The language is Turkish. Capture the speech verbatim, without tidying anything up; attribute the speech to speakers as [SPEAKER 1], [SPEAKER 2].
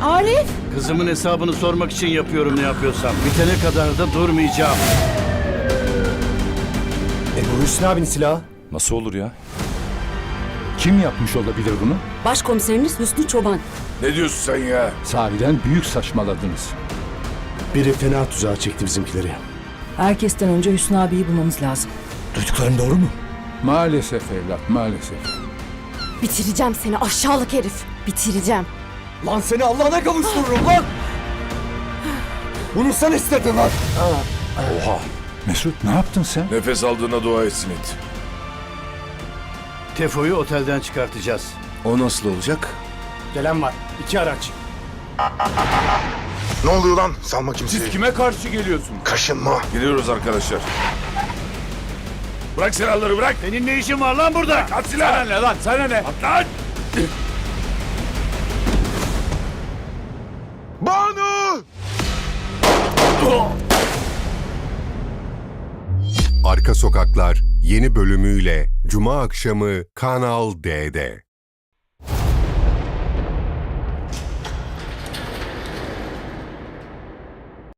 [SPEAKER 1] Arif!
[SPEAKER 2] Kızımın hesabını sormak için yapıyorum ne yapıyorsam. Bitene kadar da durmayacağım.
[SPEAKER 3] E bu Hüsnü abinin silahı.
[SPEAKER 4] Nasıl olur ya? Kim yapmış olabilir bunu?
[SPEAKER 1] Başkomiseriniz Hüsnü Çoban.
[SPEAKER 5] Ne diyorsun sen ya?
[SPEAKER 4] Sahiden büyük saçmaladınız.
[SPEAKER 3] Biri fena tuzağa çekti bizimkileri.
[SPEAKER 1] Herkesten önce Hüsnü abiyi bulmamız lazım.
[SPEAKER 3] Duyduklarım doğru mu?
[SPEAKER 4] Maalesef evlat, maalesef.
[SPEAKER 6] Bitireceğim seni aşağılık herif. Bitireceğim.
[SPEAKER 3] Lan seni Allah'ına kavuştururum lan! Bunu sen istedin lan!
[SPEAKER 4] Oha! Mesut ne yaptın sen?
[SPEAKER 5] Nefes aldığına dua etsin it.
[SPEAKER 2] Tefo'yu otelden çıkartacağız.
[SPEAKER 5] O nasıl olacak?
[SPEAKER 3] Gelen var. İki araç.
[SPEAKER 7] Ne oluyor lan? Salma kimseyi.
[SPEAKER 5] Siz kime karşı geliyorsunuz?
[SPEAKER 7] Kaşınma.
[SPEAKER 5] Geliyoruz arkadaşlar. Bırak silahları bırak.
[SPEAKER 2] Senin ne işin var lan burada?
[SPEAKER 5] At silahı. Sana ne lan sana ne? At lan.
[SPEAKER 7] Banu!
[SPEAKER 8] Arka Sokaklar yeni bölümüyle Cuma akşamı Kanal D'de.